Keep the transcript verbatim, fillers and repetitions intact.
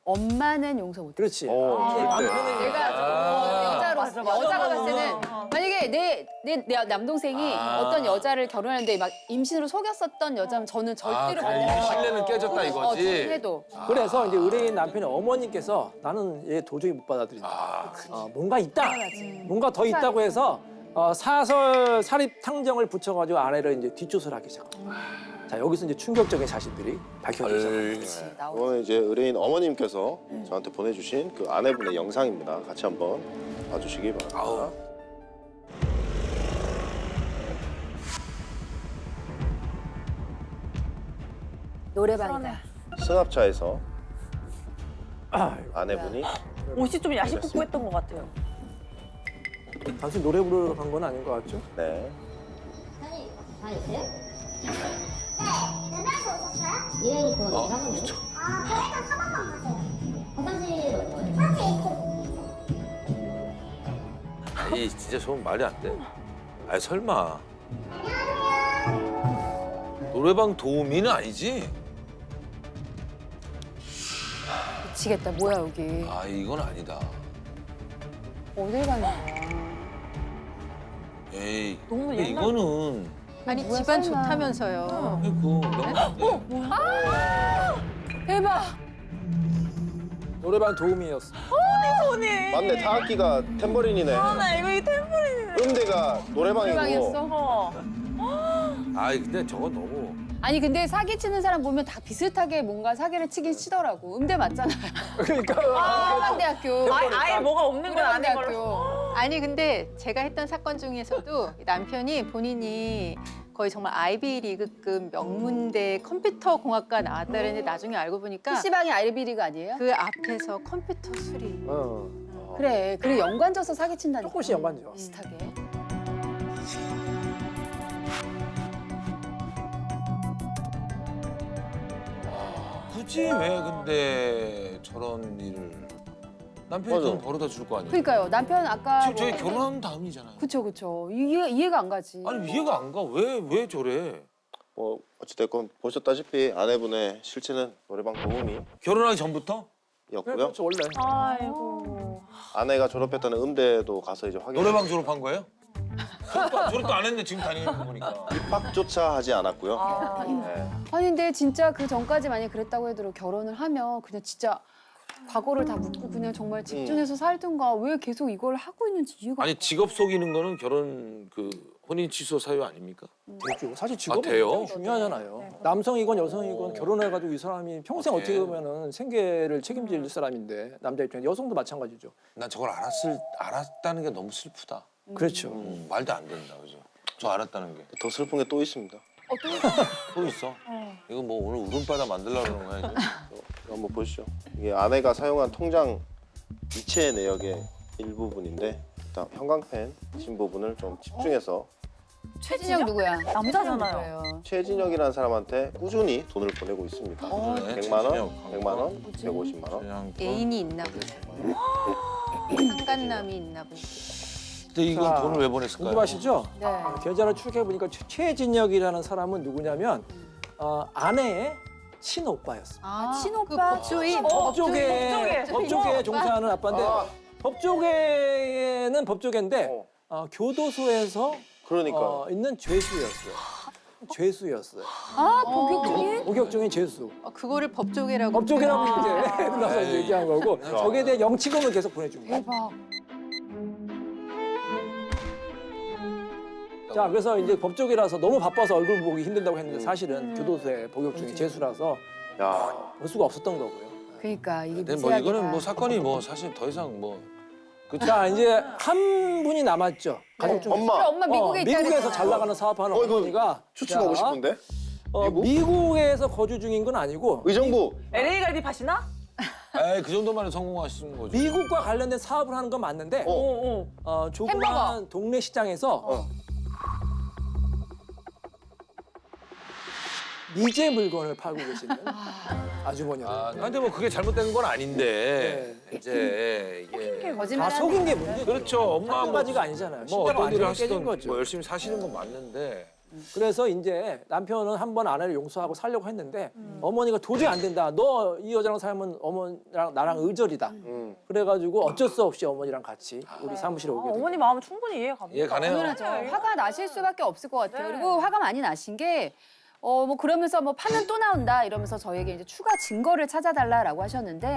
엄마는 용서 못해. 그렇지. 어, 절대. 내가 어, 여자로 맞아, 맞아. 여자가 봤을 때는 어. 만약에 내, 내, 내 남동생이 아. 어떤 여자를 결혼하는데 막 임신으로 속였었던 여자면 저는 절대로 아, 못 그래, 믿어요. 신뢰는 깨졌다 이거지? 어, 해도. 그래서 이제 의뢰인 남편의 어머님께서 나는 얘 도저히 못 받아들인다. 아, 어, 뭔가 있다. 당연하지. 뭔가 더 있다고 해서 어, 사설 사립 탕정을 붙여가지고 아내를 이제 뒷조사를 하기 시작합니다. 자 여기서 이제 충격적인 사실들이 밝혀지기 시작합니다. 헐. 나오지. 이거는 이제 의뢰인 어머님께서 저한테 보내주신 그 아내분의 영상입니다. 같이 한번 봐주시기 바랍니다. 아우. 노래방이다. 승합차에서 아, 아내분이 옷이 좀 야식복구했던 것 같아요. 단순히 노래 부르러 간 건 아닌 것 같죠? 네. 사장님, 다녀오세요? 네, 맨날 오셨어요? 일행 입고 어, 사모님. 그쵸. 아, 그럼 일단 사방만 가세요. 화장실 어디 거예요? 화장실 이쪽. 아니 진짜 저건 말이 안 돼. 아니 설마. 노래방 도우미는 아니지? 미치겠다. 뭐야 여기. 아 이건 아니다. 어딜 가는 거야. 에이. 너무 근데 옛날- 이거는 아니 뭐야, 집안 설마. 좋다면서요. 그 영화. 대박. 노래방 도우미였어. 손이. 맞네, 타악기가 탬버린이네. 아, 나 이거 이 템플이네. 음대가 노래방이고. 노래방이었어? 어. 아이 근데 저거 너무. 아니 근데 사기 치는 사람 보면 다 비슷하게 뭔가 사기를 치긴 치더라고. 음대 맞잖아요. 그러니까 노래방대학교. 아예, 아예 뭐가 없는 건 아닌 걸로. 노래방대학교. 아니 근데 제가 했던 사건 중에서도 남편이 본인이 거의 정말 아이비리그급 명문대 컴퓨터 공학과 나왔다 그랬는데 나중에 알고 보니까 피시방이 아이비리그 아니에요? 그 앞에서 컴퓨터 수리. 어, 그래. 그래 연관져서 사기 친다니까. 조금씩 연관져. 비슷하게. 굳이 왜 근데 저런 일을 남편이 맞아. 돈 벌어다 줄 거 아니에요? 그러니까요. 남편 아까 지금 저희 뭐- 결혼한 다음이잖아요. 그쵸 그쵸. 이해 이해가 안 가지. 아니 이해가 안 가. 왜 왜 저래? 뭐 어찌됐건 보셨다시피 아내분의 실체는 노래방 도우미였고요. 결혼하기 전부터? 네, 그렇죠 원래. 아이고. 아내가 졸업했다는 음대도 가서 이제 확인. 노래방 졸업한 거예요? 졸업도, 졸업도 안 했네 지금 다니는 거 보니까. 입학조차 하지 않았고요. 아. 네. 아니 근데 진짜 그 전까지 만약 그랬다고 해도 결혼을 하면 그냥 진짜 과거를 다 묻고 그냥 정말 집중해서 살든가 왜 계속 이걸 하고 있는지 이해가 아니 안 가. 직업 속이는 거는 결혼 그 혼인 취소 사유 아닙니까? 되죠. 사실 직업은 돼요? 굉장히 중요하잖아요. 남성이건 여성이건 결혼해가지고 이 사람이 평생 어, 어떻게 네. 보면은 생계를 책임질 사람인데 남자 입장에 여성도 마찬가지죠. 난 저걸 알았을 알았다는 게 너무 슬프다. 그렇죠. 음, 말도 안 된다 그죠? 저 알았다는 게. 더 슬픈 게 또 있습니다. 또 있어? 이거 뭐 오늘 울음바다 만들려고 그러는 거야 이제? 이거 한번 보시죠. 이게 아내가 사용한 통장 이체 내역의 일부분인데 일단 형광펜 친 부분을 좀 집중해서 최진영 누구야? 남자잖아요. 누구예요? 최진혁이라는 사람한테 꾸준히 돈을 보내고 있습니다. 그러네, 백만 원, 최진혁. 백만 원, 백오십만 원. 그냥 또- 애인이 있나 보죠. 상간남이 있나 보죠. 근데 이건 자, 돈을 왜 보냈을까요? 궁금하시죠? 네. 계좌를 추적해 보니까 최진혁이라는 사람은 누구냐면 어, 아내의 친오빠였어. 아, 친오빠? 그 법조인. 어, 법조계 법조계. 법조계에 종사하는 아빠인데 아. 법조계는 법조계인데 어. 어, 교도소에서 그러니까 어, 있는 죄수였어요. 죄수였어요. 아 복역적인? 목욕 중인 죄수. 어, 그거를 법조계라고. 법조계라고 이제 나서 에이. 얘기한 거고 야. 저기에 대해 영치금을 계속 보내준 거예요. 대박. 자 그래서 이제 법조계라서 너무 바빠서 얼굴 보기 힘든다고 했는데 사실은 교도소에 복역 중인 죄수라서 야 볼 수가 없었던 거고요. 그러니까 이게 근데 뭐 미세하게 이거는 다. 뭐 사건이 뭐 사실 더 이상 뭐 자 이제 한 분이 남았죠. 가족 중에. 엄마. 그래, 엄마 미국에 어, 있다 미국에서 그랬잖아. 잘 나가는 사업하는 어, 이거 어머니가 추측하고 자, 싶은데 어, 미국? 미국에서 거주 중인 건 아니고 의정부 엘에이 갈비 파시나? 에이 그 정도만 성공하시는 거죠. 미국과 관련된 사업을 하는 건 맞는데 어. 어, 어. 어, 조그만 동네 시장에서 어. 미제 물건을 팔고 계시는 아주머니였어요. 아, 근데 뭐 그게 잘못된 건 아닌데 이제 이게 다 거짓말 아, 속인 게 문제죠. 그렇죠. 엄마 한 뭐, 가지가 아니잖아요. 뭐 신뢰가 어떤 일을 완전히 깨진 하시던 거죠. 뭐 열심히 사시는 건 맞는데 그래서 이제 남편은 한 번 아내를 용서하고 살려고 했는데 어머니가 도저히 안 된다. 너 이 여자랑 살면 어머니랑 나랑 의절이다. 음. 그래가지고 어쩔 수 없이 어머니랑 같이 우리 사무실에 아, 오게 된 어머니 마음은 충분히 이해가 갑니다. 이해 가네요. 당연하죠. 화가 나실 수밖에 없을 것 같아요. 네. 그리고 화가 많이 나신 게 어 뭐 그러면서 뭐 파면 또 나온다 이러면서 저희에게 이제 추가 증거를 찾아달라라고 하셨는데